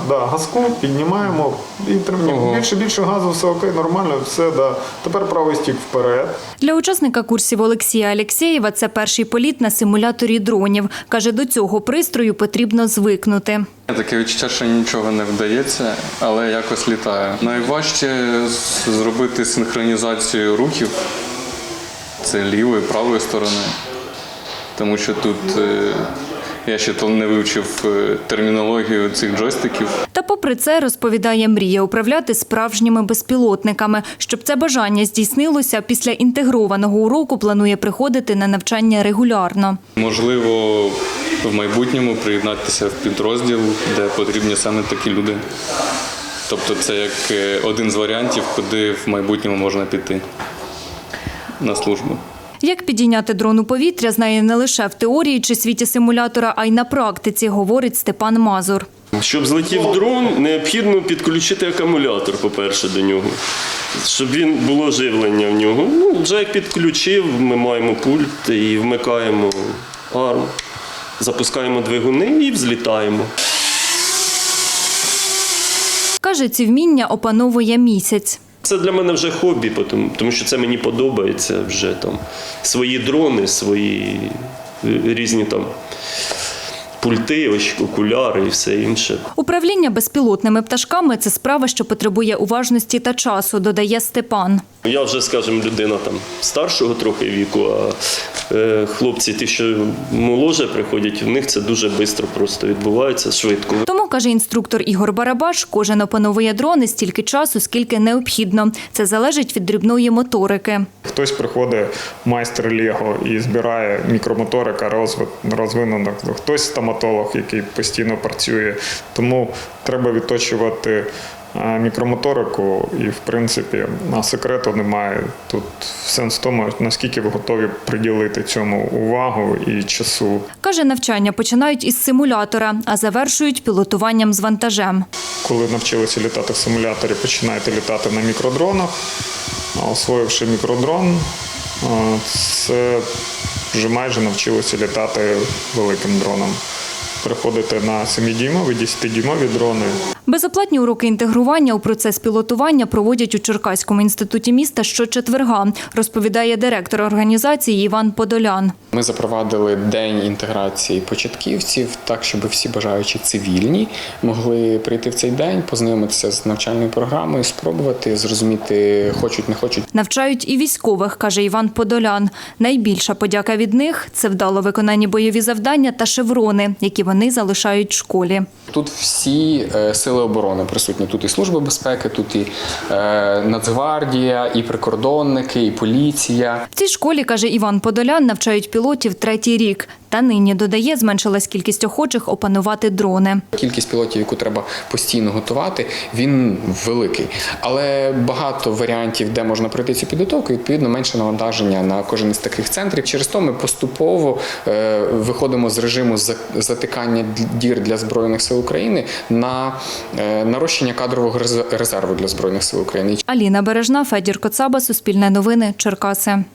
газку, піднімаємо і тримаємо. Більше газу, все окей, нормально, все, да. Тепер правий стік вперед. Для учасника курсів Олексія Алєксєєва це перший політ на симуляторі дронів. Каже, до цього пристрою потрібно звикнути. Таке відчуття, що нічого не вдається, але якось літає. Найважче зробити синхронізацію рухів, це лівої, правої сторони, тому що тут я ще не вивчив термінологію цих джойстиків. Та попри це, розповідає, мріє управляти справжніми безпілотниками. Щоб це бажання здійснилося, після інтегрованого уроку планує приходити на навчання регулярно. Можливо, в майбутньому приєднатися в підрозділ, де потрібні саме такі люди. Тобто це як один з варіантів, куди в майбутньому можна піти на службу. Як підійняти дрон у повітря, знає не лише в теорії чи світі симулятора, а й на практиці, говорить Степан Мазур. Щоб злетів дрон, необхідно підключити акумулятор, по-перше, до нього, щоб було живлення в нього. Джек підключив, ми маємо пульт і вмикаємо арм, запускаємо двигуни і взлітаємо. Каже, ці вміння опановує місяць. Це для мене вже хобі, тому що це мені подобається вже там. Свої дрони, свої різні там пульти, окуляри і все інше. Управління безпілотними пташками – це справа, що потребує уважності та часу, додає Степан. Я вже, скажімо, людина там старшого трохи віку, а хлопці, ті, що моложе приходять, в них це дуже швидко просто відбувається, швидко. Тому, каже інструктор Ігор Барабаш, кожен опановує дрони стільки часу, скільки необхідно. Це залежить від дрібної моторики. Хтось приходить, майстер Лего, і збирає мікромоторика розвинена. Хтось стоматолог, який постійно працює. Тому треба відточувати мікромоторику і, в принципі, секрету немає. Тут сенс в тому, наскільки ви готові приділити цьому увагу і часу. Каже, навчання починають із симулятора, а завершують пілотуванням з вантажем. Коли навчилися літати в симуляторі, починаєте літати на мікродронах. Освоївши мікродрон, це вже майже навчилися літати великим дроном. Переходити на 7-дюймові, 10-дюймові дрони. Безоплатні уроки інтегрування у процес пілотування проводять у Черкаському інституті міста щочетверга, розповідає директор організації Іван Подолян. Ми запровадили день інтеграції початківців, так, щоб всі бажаючі цивільні могли прийти в цей день, познайомитися з навчальною програмою, спробувати, зрозуміти, хочуть, не хочуть. Навчають і військових, каже Іван Подолян. Найбільша подяка від них – це вдало виконані бойові завдання та шеврони, які вони залишають в школі. Тут всі сили оборони присутні. Тут і Служба безпеки, тут і Нацгвардія, і прикордонники, і поліція. В цій школі, каже Іван Подолян, навчають пілотів 3-й рік. Та нині, додає, зменшилась кількість охочих опанувати дрони. Кількість пілотів, яку треба постійно готувати, він великий. Але багато варіантів, де можна пройти цю підготовку, відповідно, менше навантаження на кожен із таких центрів. Через то ми поступово виходимо з режиму затикання дір для Збройних сил України на нарощення кадрового резерву для Збройних сил України. Аліна Бережна, Федір Коцаба, Суспільне новини, Черкаси.